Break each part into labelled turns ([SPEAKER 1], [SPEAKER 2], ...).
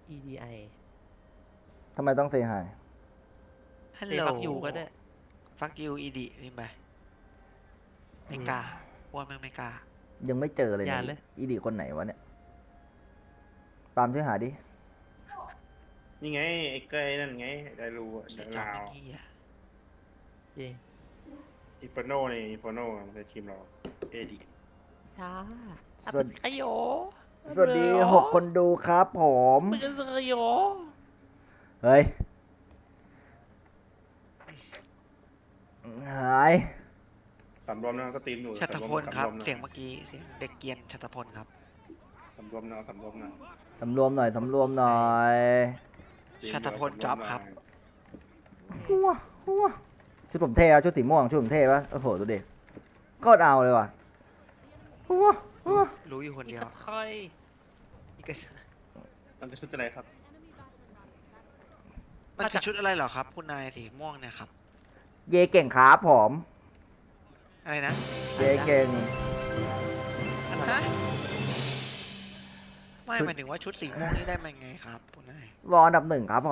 [SPEAKER 1] EDI
[SPEAKER 2] ทำไมต้องเซฮาย
[SPEAKER 3] ฮัล
[SPEAKER 1] เซ
[SPEAKER 3] โหล
[SPEAKER 1] ฟักยูก็ได้
[SPEAKER 3] ฟักยูอีดีมีไหมไม่กล้าว่าแม่งไม่กล้า
[SPEAKER 2] ยังไม่เจอเลย
[SPEAKER 1] อย่า
[SPEAKER 2] นะ
[SPEAKER 1] เลย
[SPEAKER 2] อีดีคนไหนวะเนี่ยปาล์มช่วยหาดิ
[SPEAKER 4] นี่ไงไอ้เก้ยนั่นไงได้รู้อะ
[SPEAKER 3] เสี
[SPEAKER 4] เดี๋
[SPEAKER 3] ย
[SPEAKER 4] ยว
[SPEAKER 3] จอ
[SPEAKER 4] ลาว
[SPEAKER 3] ไม่เฮีย
[SPEAKER 1] จริง
[SPEAKER 4] อินฟโนนี่อินฟโนในทีมเราเอดี
[SPEAKER 1] ช้า
[SPEAKER 2] สวัสดี
[SPEAKER 1] ขยโย
[SPEAKER 2] สวัสดี6 คนดูครับผม
[SPEAKER 1] เป็นสขยโย
[SPEAKER 2] เฮ้ย หาย
[SPEAKER 4] สำรวมนะก็ตีมอยู่
[SPEAKER 3] ชัตพลครับ
[SPEAKER 4] สำวมนะ
[SPEAKER 3] เสียงเมื่อกี้เสียงเด็กเกรียนชัตพลครับ
[SPEAKER 4] สำรวมนะสำรวมนะ
[SPEAKER 2] สำรวมหน่อย สำรวมหน่อย
[SPEAKER 4] ตีม
[SPEAKER 3] ชัตพลจ๊อบครับ
[SPEAKER 2] หัวหัวชุดผมเท่อะชุดสีม่วง ชุดผมเท่ปะโอ้โหดูดิโคตรเอาเลยว่ะหัวหัว
[SPEAKER 3] รู้อยู่คน
[SPEAKER 1] อี
[SPEAKER 3] เดียว
[SPEAKER 1] สคอย
[SPEAKER 3] อีกก็
[SPEAKER 4] มันจะชุดอะไรครับ
[SPEAKER 3] มันคือชุดอะไรเหรอครับ คุณนายสีม่วงเนี่ยครับ
[SPEAKER 2] เยเก่งครับผม
[SPEAKER 3] อะไรนะ
[SPEAKER 2] เยเก่ง
[SPEAKER 3] ฮะไม่หมายถึงว่าชุดสีม่วงนี่ได้มาไงครับคุณนาย
[SPEAKER 2] วออันดับ 1ครับผม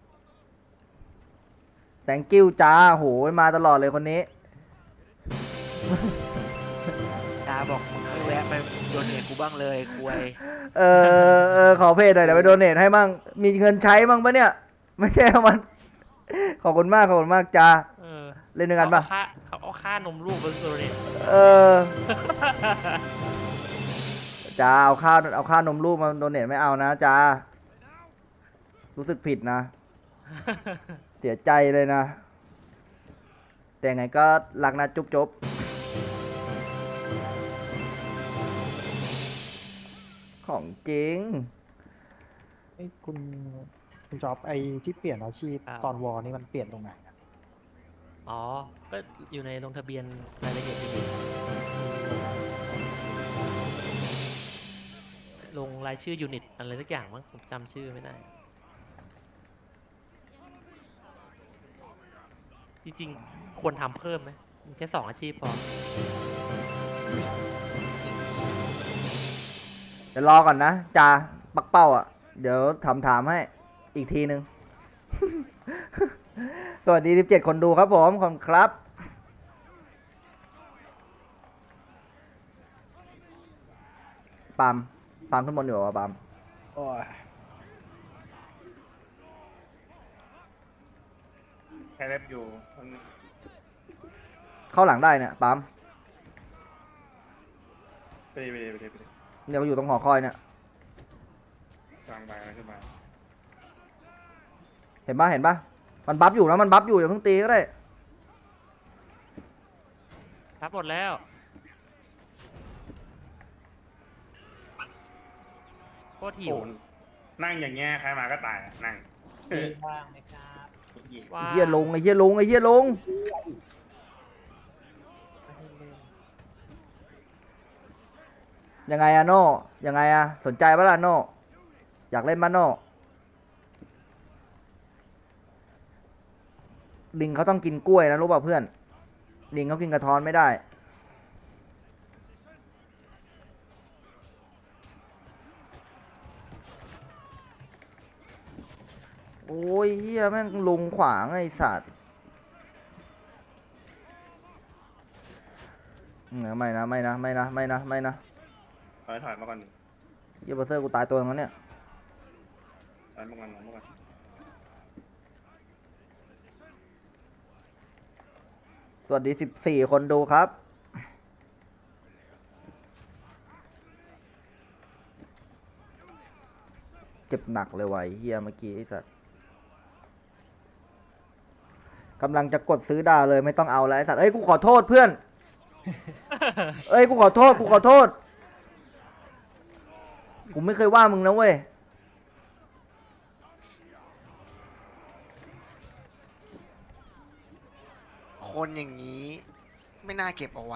[SPEAKER 2] thank you จ้าโหยมาตลอดเลยคนนี้
[SPEAKER 3] ตาบอกมึงไม่แวะไปโดนเนทกูบ้างเลยคุย
[SPEAKER 2] ขอเพจหน่อยเดี๋ยวไปโดเนทให้มั่งมีเงินใช้มั่งปะเนี่ย ไม่ใช่เอามัน ขอบคุณมากขอบคุณมากจ้า
[SPEAKER 1] เออ
[SPEAKER 2] เล่นด้วยกันปะ
[SPEAKER 1] เขาเอาค่านมลูกเป็นตัวเด็ด
[SPEAKER 2] เออ จ้าเอาค่านมลูกมาโดเนทไม่เอานะจ้ารู้สึกผิดนะ เสียใจเลยนะ แต่ไงก็รักนะจุ๊บจุ๊บของจริง
[SPEAKER 5] เอ้ยคุณจ๊อบไอ้ที่เปลี่ยนอาชีพตอนวอนี่มันเปลี่ยนตรงไหนอะ
[SPEAKER 1] อ๋อ ก็อยู่ในลงทะเบียนรายละเอียดดีๆลงรายชื่อยูนิตอะไรสักอย่างมั้งผมจำชื่อไม่ได้ จริงๆ ควรทำเพิ่มไหมมีแค่2 อาชีพพอ
[SPEAKER 2] เดี๋ยวรอก่อนนะจ้าปักเป้าอ่ะ เดี๋ยวถามให้อีกทีนึง สวัสดี17 คนดูครับผมขอบคุณครับปาล์มทุกคนอยู่ป่ะปาล์ม
[SPEAKER 5] โอ้ย
[SPEAKER 4] แค่เล็บอยู่
[SPEAKER 2] เข้าหลังได้เนี่ยปาล์ม
[SPEAKER 4] ไปดิ
[SPEAKER 2] เดี๋ยวมาอยู่ตรงหอคอยเนี่ย
[SPEAKER 4] กลางใบอะไรขึ้นมา
[SPEAKER 2] เห็นปะมันบัฟอยู่นะมันบัฟอยู่อย่าเพิ่งตีก็ได้
[SPEAKER 1] รับหมดแล้วโคตรหิว
[SPEAKER 4] โอ้นั่งอย่างเงี้ยใครมาก็ตายอะนั่ง
[SPEAKER 5] ว่างไหมครับ
[SPEAKER 1] ว่า
[SPEAKER 2] ไอ้เฮียลงไอ้เฮียลงไอ้เฮียลง
[SPEAKER 1] ไม่ให้เล่น
[SPEAKER 2] ยังไงอะโน่ยังไงอะสนใจปะล่ะโน่อยากเล่นปะโน่ลิงเขาต้องกินกล้วยนะรู้ป่ะเพื่อนลิงเขากินกระท้อนไม่ได้โอ้ยเฮียแม่งลุงขวางไอ้สัตว์ไม่นะ
[SPEAKER 4] ถอยมาก่อน
[SPEAKER 2] เฮียเบอร์เซอร์กูตายตัวนึงแล้วเนี่ย
[SPEAKER 4] ถอยมาก่อน
[SPEAKER 2] สวัสดี14 คนดูครับ เจ็บหนักเลยว่ะไอ้เฮียเมื่อกี้ไอ้สัตว์กำลังจะกดซื้อดาวเลยไม่ต้องเอาแล้วไอ้สัตว์เอ้ยกูขอโทษเพื่อน เอ้ยกูขอโทษกูไม่เคยว่ามึงนะเว้ย
[SPEAKER 3] คนอย่างนี้ ไม่น่าเก็บเอาไว้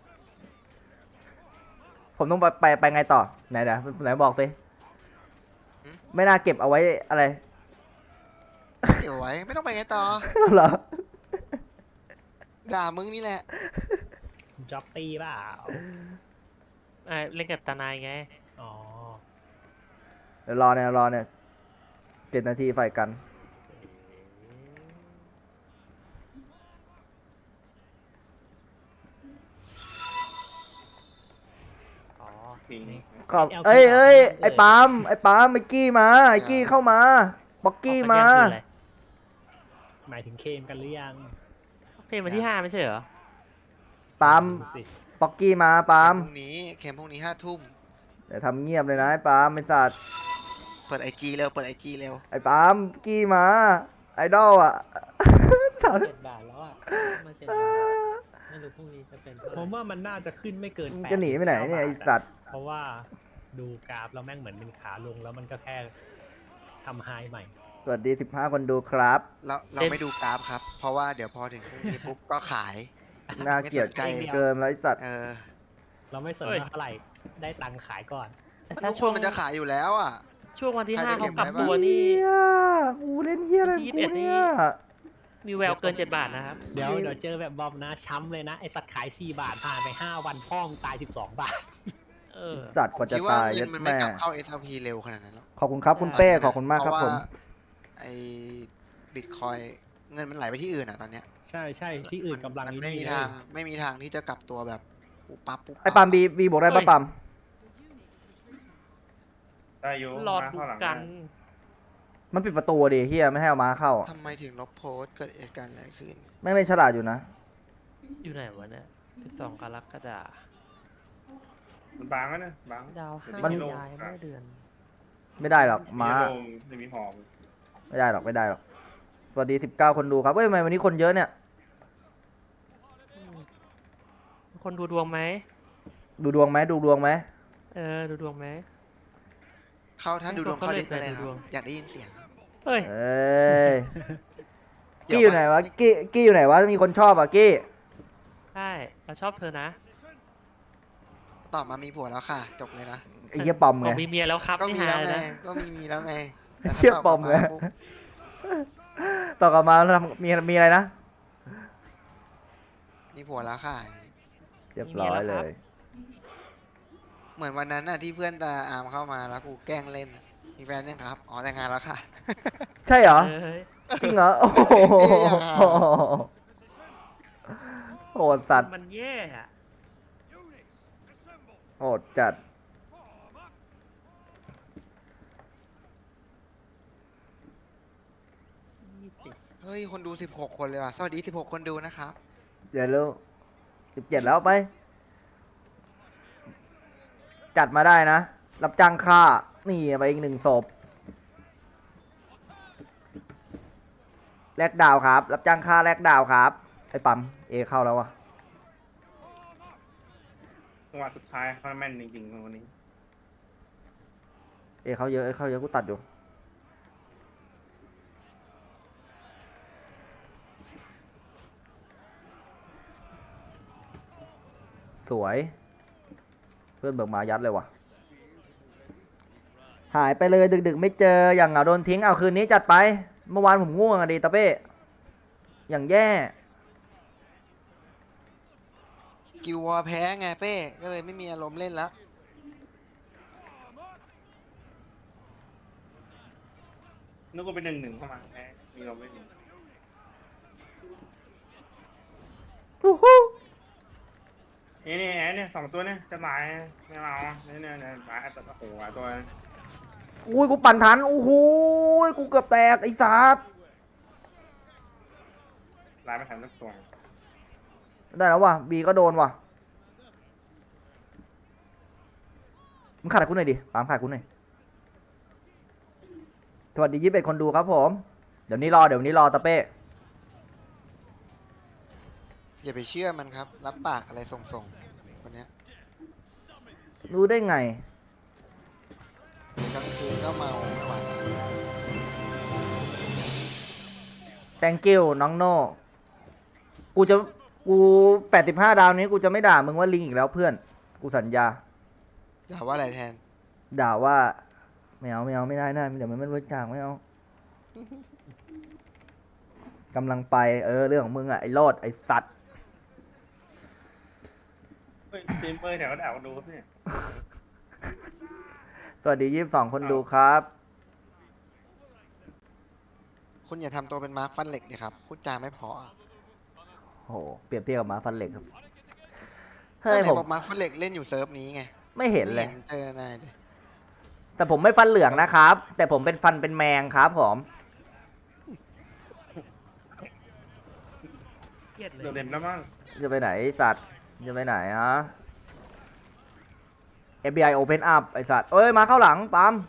[SPEAKER 2] ผมต้องไปไงต่อไหนบอกสิไม่น่าเก็บเอาไว้อะไร
[SPEAKER 3] เก็บเอาไว้ ไม่ต้องไปไงต่อ
[SPEAKER 2] เหรอ
[SPEAKER 3] ด่ามึงนี่แหละ
[SPEAKER 5] คุณจ๊อบตีเปล่า
[SPEAKER 1] เล่นกับตานายไง
[SPEAKER 5] อ๋อ
[SPEAKER 2] เดี๋ยวรอเนี่ย 7 นาทีไฟกัน
[SPEAKER 1] อ๋อ
[SPEAKER 4] ทิ้ง
[SPEAKER 2] ขอบเอ้ยไอ้ปาล์มไอ้กี้มาไอ้กี้เข้ามาบ็อกกี้มา
[SPEAKER 1] ออกไปแย่งคืนอะไร
[SPEAKER 6] หมายถึงเคมกันหรือยัง
[SPEAKER 1] เพลงวันที่ 5 ไม่ใช่เหรอ
[SPEAKER 2] ปาล์ม
[SPEAKER 6] ดูสิ
[SPEAKER 2] บ็อกกี้มาปาล์ม
[SPEAKER 3] พรุ่งนี้เข็มพรุ่งนี้5 ทุ่ม
[SPEAKER 2] เดี๋ยวทำเงียบเลยนะไอ้ปาล์มไอ้สัตว์
[SPEAKER 3] เปิดไอจีเร็วเปิดไอจีเร็ว
[SPEAKER 2] ไอ้ปาล์มกี้มาไอดอลอ่ะ
[SPEAKER 1] 7 บาทแล้วอ่ะมา7 บาทไม่รู้พรุ่งนี้จะเป็นเท่าไห
[SPEAKER 6] ผ
[SPEAKER 1] ร่
[SPEAKER 6] มว่ามันน่าจะขึ้นไม่เกิน
[SPEAKER 2] มึง
[SPEAKER 6] 8
[SPEAKER 2] จะหนีไปไหนเนี่ยไอ้สัตว์
[SPEAKER 6] เพราะว่าดูกราฟแล้วแม่งเหมือนเป็นขาลงแล้วมันก็แค่ทำไฮใหม่
[SPEAKER 2] สวัสดี15 คนดูครับ
[SPEAKER 3] เราไม่ดูกราฟครับ เพราะว่าเดี๋ยวพอถึงพรุ่งนี้ปุ๊บก็ขาย
[SPEAKER 2] น่าเกลียด
[SPEAKER 3] ไม่สนใจ
[SPEAKER 2] เกินแล้วไอ้สัตว์
[SPEAKER 6] เราไม่สนว่าเท่าไหร่ได้ตังค์ขายก่อน
[SPEAKER 1] แต่
[SPEAKER 3] ถ้า
[SPEAKER 1] ถ้า
[SPEAKER 3] ช่
[SPEAKER 1] ช่
[SPEAKER 3] ว
[SPEAKER 1] ว
[SPEAKER 3] ง
[SPEAKER 1] ง
[SPEAKER 3] มันจะขายอยู่แล้วอ่ะ
[SPEAKER 1] ช่วงวันที่
[SPEAKER 3] ใครได้
[SPEAKER 1] 5 เขา
[SPEAKER 3] เก็บ
[SPEAKER 1] กลับ
[SPEAKER 3] ไว้บ้าง
[SPEAKER 1] ตัวนี่
[SPEAKER 2] เหี้ยกูเล่นเฮียอะไร
[SPEAKER 1] วันที่
[SPEAKER 2] ของกู
[SPEAKER 1] 21นี่
[SPEAKER 2] เนี่ย
[SPEAKER 1] มีแววเกิน 7 บาทนะครับ
[SPEAKER 6] เดี๋ยวเจอแบบบอมนะช้ำเลยนะ ไอสัตว์ขาย 4 บาทผ่านไป 5 วันพ่อมงตาย 12 บาท
[SPEAKER 1] เออ
[SPEAKER 2] สัตว์กว่าจะ
[SPEAKER 3] คิดว่า
[SPEAKER 2] ตาย
[SPEAKER 3] เงิ
[SPEAKER 2] ยั
[SPEAKER 3] น
[SPEAKER 2] ด
[SPEAKER 3] มันไม่
[SPEAKER 2] แม่
[SPEAKER 3] กลับเข้า SLP เร็วขนาดนั้นหรอก
[SPEAKER 2] ขอบคุณครับคุณเป้ขอบคุณมากครับผม
[SPEAKER 3] ไอ้บิตคอยเงินมันไหลไปที่อื่นอ่ะตอนเนี้ย
[SPEAKER 6] ใช่ใช่ที่อื่นกำลัง
[SPEAKER 3] มัน
[SPEAKER 6] นี่
[SPEAKER 3] ไม่มี
[SPEAKER 6] เลย
[SPEAKER 3] ทางไม่มีทางที่จะกลับตัวแบบปุ๊บปั๊บปุ๊บ
[SPEAKER 2] ไอ้ปาล์มบีบอกได้ปะปาล์ม
[SPEAKER 4] ได้อยู่
[SPEAKER 1] รอ
[SPEAKER 4] มา
[SPEAKER 1] ดู
[SPEAKER 4] เข้าหลัง
[SPEAKER 1] กัน
[SPEAKER 2] มันปิดประตูดิเฮียไม่ให้เอาม้าเข้า
[SPEAKER 3] ทำไมถึงลบโพสต์เกิดเหตุการณ์อะไรขึ้น
[SPEAKER 2] แม่งเล่นฉลาดอยู่นะ
[SPEAKER 1] อยู่ไหนวะเนี่ย12 กรกฎาคม
[SPEAKER 4] มันบางแล้วนะบาง
[SPEAKER 1] ดาว
[SPEAKER 2] มัน
[SPEAKER 1] 5ย้ายเมื่อเดือน
[SPEAKER 2] ไม่ได้หรอกม้า
[SPEAKER 4] เสียลมจะมีหอม
[SPEAKER 2] ไม่ได้หรอกสวัสดี19 คนดูครับเฮ้ยทำไมวันนี้คนเยอะเนี่ย
[SPEAKER 1] คนดูดวงไหม
[SPEAKER 2] ดูดวงไหม
[SPEAKER 1] ดูดวงไหม
[SPEAKER 3] เข้าถ้าดูดวงเข้าดิสไปเลยค
[SPEAKER 1] ดูด
[SPEAKER 3] รั
[SPEAKER 1] ว
[SPEAKER 3] บ
[SPEAKER 1] ง
[SPEAKER 3] อยากได้ยินเสียง
[SPEAKER 1] เฮ้ย
[SPEAKER 2] เอ้ยกี้อยู่ไหนวะกี้อยู่ไหนวะมีคนชอบอ่ะกี้
[SPEAKER 1] ใช่เราชอบเธอนะ
[SPEAKER 3] ตอบมามีผัวแล้วค่ะ จบเลยนะ
[SPEAKER 2] ไอ้เหี้ยปอม
[SPEAKER 1] บ
[SPEAKER 2] ไง
[SPEAKER 1] อกมีเมียแล้วครับ
[SPEAKER 3] ก็
[SPEAKER 1] นี่
[SPEAKER 3] มี
[SPEAKER 1] ฮา
[SPEAKER 3] แล้ว
[SPEAKER 1] เลย
[SPEAKER 3] ไง
[SPEAKER 1] นะ
[SPEAKER 3] ก็มีแล้วไง
[SPEAKER 2] เชี่ยปอมไง
[SPEAKER 3] ปุ๊บ
[SPEAKER 2] ต่อกลับมาทำมีอะไรนะ
[SPEAKER 3] มีผัวแล้วค่ะ
[SPEAKER 2] เรียบร้อยเลย
[SPEAKER 3] เหมือนวันนั้นน่ะที่เพื่อนตาอามเข้ามาแล้วกูแกล้งเล่นน่ะมีแฟนยังครับ อ๋อแต่งงานแล้วค่ะ
[SPEAKER 2] ใช่เหรอ
[SPEAKER 1] เฮ้ย
[SPEAKER 2] จริงเหรอ โอ้โห
[SPEAKER 3] เอ๊ะอย่างนั้น
[SPEAKER 2] โหดสัตว์
[SPEAKER 1] มันแย่อะ
[SPEAKER 2] โหดจัด
[SPEAKER 3] เฮ้ย คนดู 16 คนเลยว่ะ สวัสดี 16 คนดูนะครับ
[SPEAKER 2] เดี๋ยวรู้17 แล้วไป จัดมาได้นะ รับจ้างฆ่า นี่ไปอีก1 ศพ แลกดาวครับ รับจ้างฆ่าแลกดาวครับ ไอ้ปั๊มเอเข้าแล้ววะ
[SPEAKER 4] จังหวะสุดท้ายเขาแม่นจริงๆวันนี้
[SPEAKER 2] เอเข้าเยอะกูตัดอยู่ สวย เพื่อนเบิกมายัดเลยว่ะ หายไปเลยดึกๆไม่เจออย่างเหงาโดนทิ้งเอาคืนนี้จัดไป เมื่อวานผมง่วงอะดีตาเป้อย่างแย่
[SPEAKER 3] กิววอร์แพ้ไงเป้ ก็เลยไม่มีอารมณ์เล่นแล้ว
[SPEAKER 4] นึกว่าเป็น1-1เข้ามาแพ้มีเราไม่มี
[SPEAKER 2] อู้หู้
[SPEAKER 4] นี่แอนเนี่ย2 ตัวเนี่ยจะตายไม่เอาเนี่ยตายแต่โอ้โหตัว
[SPEAKER 2] อุ้ยกูปั่นทันโอ้โหกูเกือบแตกไอ้สัส
[SPEAKER 4] ลายไม่ทันสักตัว
[SPEAKER 2] ได้แล้วว่ะบีก็โดนว่ะมึงขาดกูหน่อยดิปามขาดกูหน่อยสวัสดี21 คนดูครับผม เดี๋ยววันนี้รอตาเป้
[SPEAKER 3] อย่าไปเชื่อมันครับ รับปากอะไรส่งๆคนเนี้ย
[SPEAKER 2] รู้ได้ไง
[SPEAKER 3] เดี๋ยวกลางคืนก็เมาไม่ไหว
[SPEAKER 2] thank you น้องโน่กู85 ดาวนี้กูจะไม่ด่ามึงว่าลิงอีกแล้วเพื่อน กูสัญญา
[SPEAKER 3] อย่าว่าอะไรแทน
[SPEAKER 2] ด่าว่าไม่เอาไม่ได้นะเดี๋ยวมันไม่รู้จักไม่เอากำลังไปเรื่องของมึงอะไอ้โลดไอ้สัตว์
[SPEAKER 4] เฮ้ยทีมเปอร์แถวด่ากันดูครับเนี่ย
[SPEAKER 2] สวัสดี22 คนดูครับ
[SPEAKER 3] คุณอย่าทำตัวเป็นมาร์คฟันเหล็กดิครับพูดจาไม่เพอ
[SPEAKER 2] โอ้โหเปรียบเทียบกับหมาฟันเหล็กครับ
[SPEAKER 3] ก็
[SPEAKER 2] เฮ้ย
[SPEAKER 3] ไหน
[SPEAKER 2] ผม
[SPEAKER 3] บอกมาร์คฟันเหล็กเล่นอยู่เซิร์ฟนี้ไง
[SPEAKER 2] ไม่เห็นเลย
[SPEAKER 3] ไม่เจอนายเลย
[SPEAKER 2] แต่ผมไม่ฟันเหลืองนะครับ แต่ผมเป็นฟันเป็นแมงครับผม
[SPEAKER 6] เครียดเลย
[SPEAKER 4] โดดเด่นแล้วมั้ง
[SPEAKER 2] จะไปไหนไอ้สัตว์จะไปไหนฮะ FBI Open Up ไอสัตว์เอ้ยมาเข้าหลังปั๊ม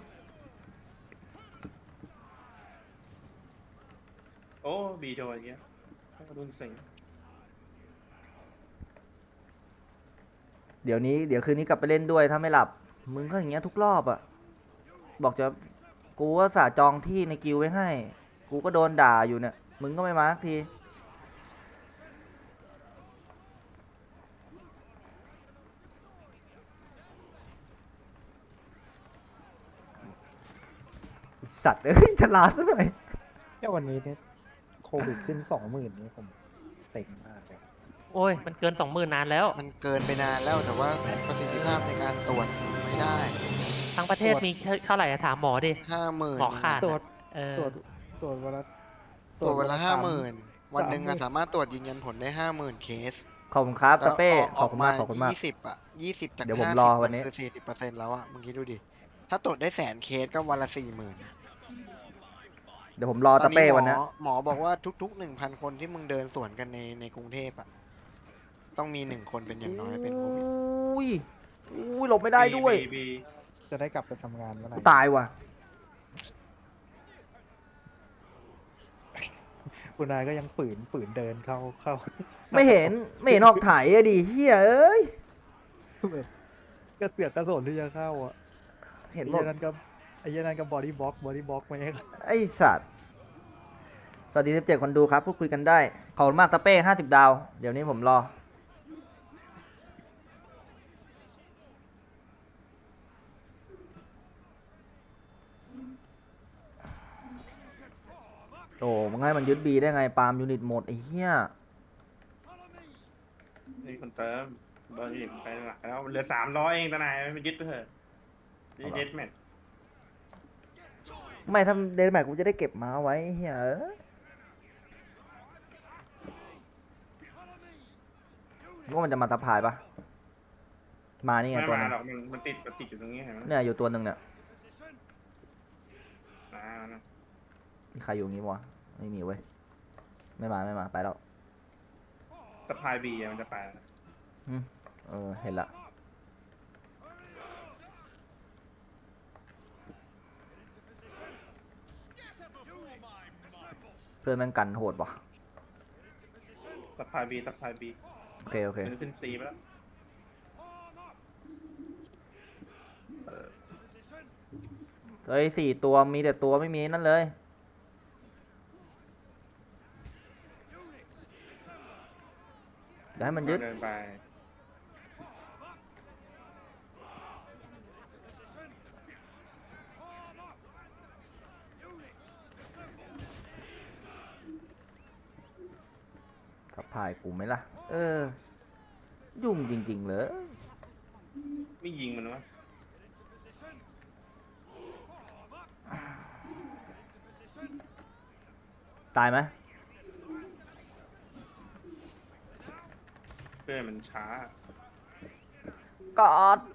[SPEAKER 4] โอ้บีโดนอย่างเงี้ยรุ่นสิง
[SPEAKER 2] เดี๋ยวคืนนี้กลับไปเล่นด้วยถ้าไม่หลับ มึงก็อย่างเงี้ยทุกรอบอะบอกจะกูก็สาจองที่ในกิวไว้ให้ กูก็โดนด่าอยู่เนี่ย มึงก็ไม่มาสักที สัตว์เอ้ยฉลาดซะหน่อย
[SPEAKER 5] แค่วันนี้เนี่ยโควิดขึ้น20,000นี่ผมเต็งมากเลย
[SPEAKER 1] โอ้ย มันเกิน 20,000นานแล้ว
[SPEAKER 3] มันเกินไปนานแล้วแต่ว่าประสิทธิภาพในการตรวจไม่ได้
[SPEAKER 1] ทั้งประเทศมีเท่าไหร่อะถามหมอดิ
[SPEAKER 3] 50,000
[SPEAKER 1] หมอขาด
[SPEAKER 5] ตรวจ
[SPEAKER 1] เออ
[SPEAKER 5] ตรวจวันละ
[SPEAKER 3] ตรวจวันละ
[SPEAKER 5] สาม
[SPEAKER 3] 50,000 วันหนึ่งอะสามารถตรวจยืนยันผลได้ 50,000 เคส
[SPEAKER 2] ขอบคุณครับตาเป้
[SPEAKER 3] แล้ว
[SPEAKER 2] ขอบคุณมากขอบคุณมาก
[SPEAKER 3] 20อะ20 จาก
[SPEAKER 2] เดี๋ยวผม
[SPEAKER 3] 50
[SPEAKER 2] รอวันนี้
[SPEAKER 3] คือ 40%แล้วอะมึงคิดดูดิ ถ้าตรวจได้100,000 เคสก็วันละ 40,000
[SPEAKER 2] เดี๋ยวผมรอตาเป้วันเนี้ย
[SPEAKER 3] หมอบอกว่าทุกๆ 1,000 คนที่มึงเดินสวนกันในกรุงเทพอะต้องมี1 คนเป็นอย่างน้อยเป็นโควิด
[SPEAKER 2] อุ้ยอุ้ยหลบไม่ได้ด้วย
[SPEAKER 4] บี
[SPEAKER 5] จะได้กลับไปทำงานเมื่อไหร่
[SPEAKER 2] ตายว่ะ
[SPEAKER 5] คุณนายก็ยังฝืนเดินเข้า
[SPEAKER 2] ไม่เห็นออกถ่ายอะดิเฮียเอ้ย
[SPEAKER 5] แบบก็เสือกกระสนที่จะเข้าอ่ะ
[SPEAKER 2] เห็น
[SPEAKER 5] ไอ้
[SPEAKER 2] หมด
[SPEAKER 5] เหี้ยนั่นก็บอดี้บล็อกไม่ให้
[SPEAKER 2] ไอสัตว์สวัสดี17คนดูครับพูดคุยกันได้ ขอบคุณมากตาเป้50 ดาว เดี๋ยวนี้ผมรอ โอ้มึงให้มันยึดบีได้ไงปาล์มยูนิตหมดไอ้เหี้ย
[SPEAKER 4] นี่คนเติมเบอร์ที่ไปหลักแล้วเหลือ300เองตานายไม่ยึดไปเถอะนี่เด็ดแมท
[SPEAKER 2] ไม่ทำเดนแม็กกูจะได้เก็บมาไว้เหี้ยเอ้ยว่ามันจะมาทับพายปะมานี่ไง
[SPEAKER 4] ไม่
[SPEAKER 2] ตัว
[SPEAKER 4] มา
[SPEAKER 2] นึง
[SPEAKER 4] หรอกมันติดอยู่ตรงนี้เห็นไหม
[SPEAKER 2] เนี่ยอยู่ตัวหนึ่งเนี่ย
[SPEAKER 4] อ่านะ
[SPEAKER 2] มีใครอยู่งี้วะไม่มีเว้ยไม่มาไปแล้ว
[SPEAKER 4] สปายบีมันจะไป
[SPEAKER 2] เออเห็นละเพื่อนแม่งกันโหดว่ะ
[SPEAKER 4] สปายบี
[SPEAKER 2] โอเค
[SPEAKER 4] ขึ้นซีไปแล้ว
[SPEAKER 2] เฮ้ย4 ตัวมีแต่ตัวไม่มีนั่นเลยเดี๋ยวให้มันยึด
[SPEAKER 4] เดินไป
[SPEAKER 2] ทับพายกูไหมล่ะ เออ ยุ่งจริงๆเลย
[SPEAKER 4] ไม่ยิงมันวะ
[SPEAKER 2] ตายไหม
[SPEAKER 4] เพื่อนมันช้าก
[SPEAKER 2] อด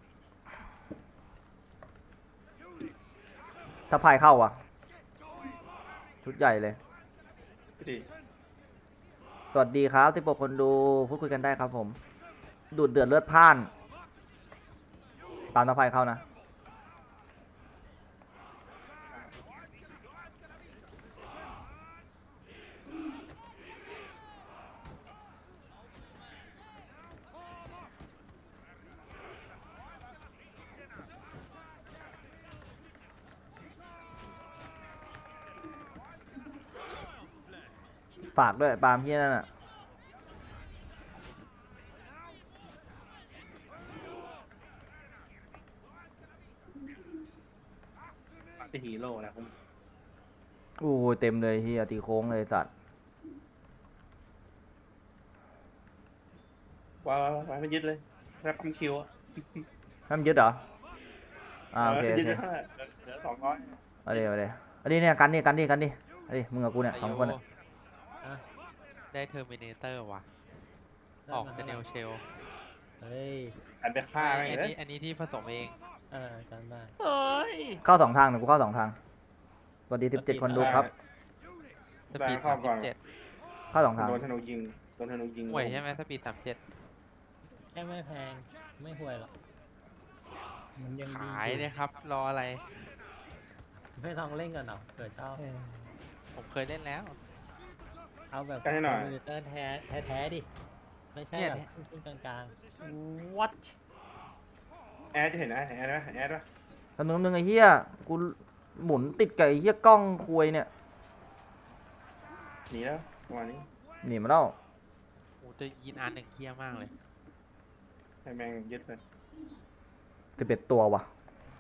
[SPEAKER 2] ทับพายเข้าอ่ะ ชุดใหญ่เลย
[SPEAKER 4] พี่ดิ
[SPEAKER 2] สวัสดีครับที่ปกคนดูพูดคุยกันได้ครับผม ดูดเดือดเลือดพล่าน ตามทับพายเข้านะ ฝากด้วยปาล์มที่นั่นอ่ะ
[SPEAKER 4] ปาร์ตี้ฮีโร่นะผม
[SPEAKER 2] โอ้ยเต็มเลยเฮียตีโค้งเลยสัตว์
[SPEAKER 4] ว้าวไม่ยึดเลยแรปคิวอะ
[SPEAKER 2] ให้มันยึดเหรอ โอเค
[SPEAKER 4] ยึดเท่าไหร่เหลือ200
[SPEAKER 2] เอาดิอันนี้เนี่ยกันดิเฮ้ยมึงกับกูเนี่ยสองคนอะ
[SPEAKER 1] อ่ะ
[SPEAKER 7] ได้เทอร์มินเตอร์ว่ะ
[SPEAKER 1] ได้
[SPEAKER 7] ออก
[SPEAKER 1] มา
[SPEAKER 7] เซ
[SPEAKER 1] ท่าไห
[SPEAKER 7] เน
[SPEAKER 1] ร่
[SPEAKER 7] ลเชล
[SPEAKER 1] เฮ้ย
[SPEAKER 4] อันไปฆ่า
[SPEAKER 7] อั
[SPEAKER 4] แม่งเลย
[SPEAKER 7] นนี้ที่ผสมเอง
[SPEAKER 1] จำได้
[SPEAKER 6] เฮ้ย
[SPEAKER 2] เข้า2 ทางนะกูเข้า2 ทางสวัสดี17 คนดูครับ
[SPEAKER 7] สปีด
[SPEAKER 4] เข้าก่อน
[SPEAKER 7] 37
[SPEAKER 2] เข้า2 ทาง
[SPEAKER 4] โดนธนูยิงโดนธนูยิง
[SPEAKER 7] ห่วยใช่ไหมสปีด37
[SPEAKER 1] แค่ไม่แพงไม่ห่วยหรอก
[SPEAKER 6] มันยังดี
[SPEAKER 7] ขายเลยครับ รออะไร
[SPEAKER 1] ไม่ลองเล่นกันเหรอเกิดชอบ
[SPEAKER 7] ผมเคยเล่นแล้ว
[SPEAKER 1] เอาแบบ
[SPEAKER 4] กันให้หน่อย
[SPEAKER 1] คอมพิวเตอร์แท้ๆดิไม่ใช่
[SPEAKER 7] เนี่ย
[SPEAKER 1] แบบขึ้นกลาง
[SPEAKER 6] what
[SPEAKER 4] แอดจะเห็นนะแอดไหมแอดปะ
[SPEAKER 2] ตำนึงไอ้เหี้ยกูหมุนติดกับไอ้เหี้ยกล้องคุยเนี่ย
[SPEAKER 4] หนีแล้วประมาณนี้
[SPEAKER 2] หนีมาแล้ว
[SPEAKER 7] โอ้จะยินอันหนึ่งเคลียร์มากเลย
[SPEAKER 4] ให้แม่งยึดเลย
[SPEAKER 2] 11 ตัวว่ะ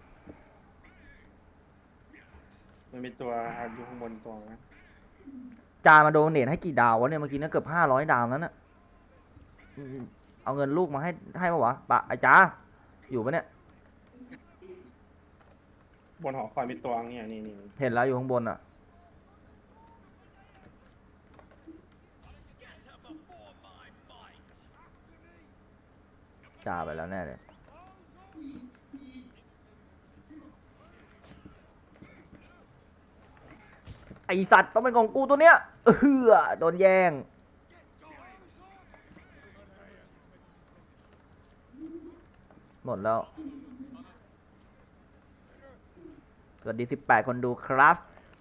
[SPEAKER 4] มันมีตัวอยู่ข้างบนตัวนะ
[SPEAKER 2] จามาโดเนทให้กี่ดาววะเนี่ยเมื่อกี้เนี่ยเกือบ500 ดาวแล้วน่ะเอาเงินลูกมาให้ปะวะปะไอ้จ้าอยู่ปะเนี่ย
[SPEAKER 4] บนหอคอยมีตัวเนี่ยนี่
[SPEAKER 2] เห็นแล้วอยู่ข้างบนอ่ะจ่าไปแล้วแน่เลยไอสัตว์ต้องเป็นของกูตัวเนี้ยโดนแย่งหมดแล้วสวัสดี18 คนดูครับ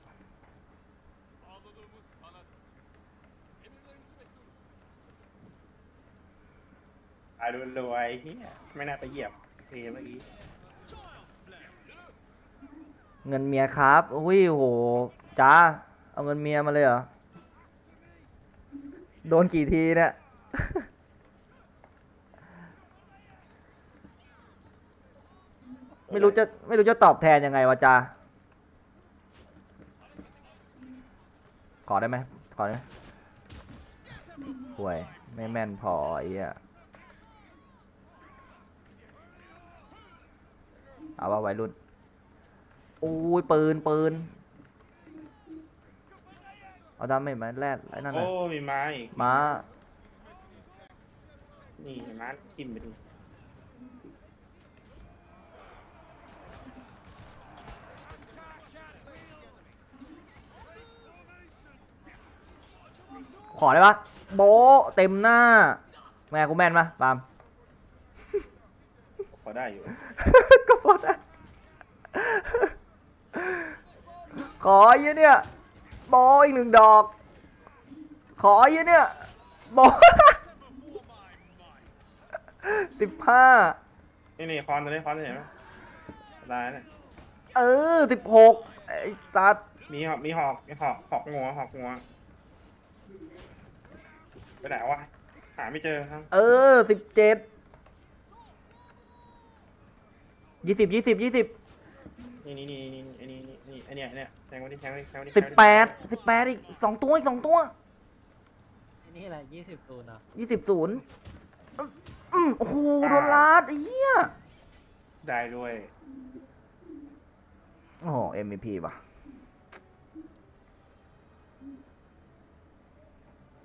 [SPEAKER 4] ตายรวยๆเฮียไม่น่าไปเหยียบเมื่อกี้
[SPEAKER 2] เงินเมียครับอุ้ยโหจ้าเอาเงินเมียมาเลยเหรอ โดนกี่ทีเนี่ย ไม่รู้จะตอบแทนยังไงวะจ้าขอได้ไหมขอได้ไหมห่วยไม่แม่นพอไอ้เหี้ยเอาว่าวัยรุ่นโอ้ยปืนเอาดาเมจมาแรดไอ้นั่น
[SPEAKER 4] โอ้
[SPEAKER 2] น่ะ
[SPEAKER 4] มีไม้อีก
[SPEAKER 2] ม้า
[SPEAKER 4] นี่ม้าทิ่มไปดู
[SPEAKER 2] ขอได้ปะโบะเต็มหน้า แม่กูแม่นปะปาล์ม
[SPEAKER 4] พอได้อยู่
[SPEAKER 2] ก็พอได้ขอเยอะเนี่ยโบะอีก1 ดอก ขอเยอะเนี่ยโบะ 15
[SPEAKER 4] นี่คอนตัวนี้คอนเห็นไหมตายเนี่ย
[SPEAKER 2] 16ไอ้สัตว์
[SPEAKER 4] มีหอกงัวไปไหนวะหาไม่เจอครับ
[SPEAKER 2] 17 20
[SPEAKER 4] นี่ไอ้เนี่ยแทงวันนี้
[SPEAKER 2] 18อีก2 ตัวอีก2 ตัว
[SPEAKER 1] นี่แหละ20 ตูนเนาะ
[SPEAKER 2] 20 โอ้โหโดนลาดไอ้เหี้ย
[SPEAKER 4] ได้ด้วย
[SPEAKER 2] โอ้โห MVP ว่ะ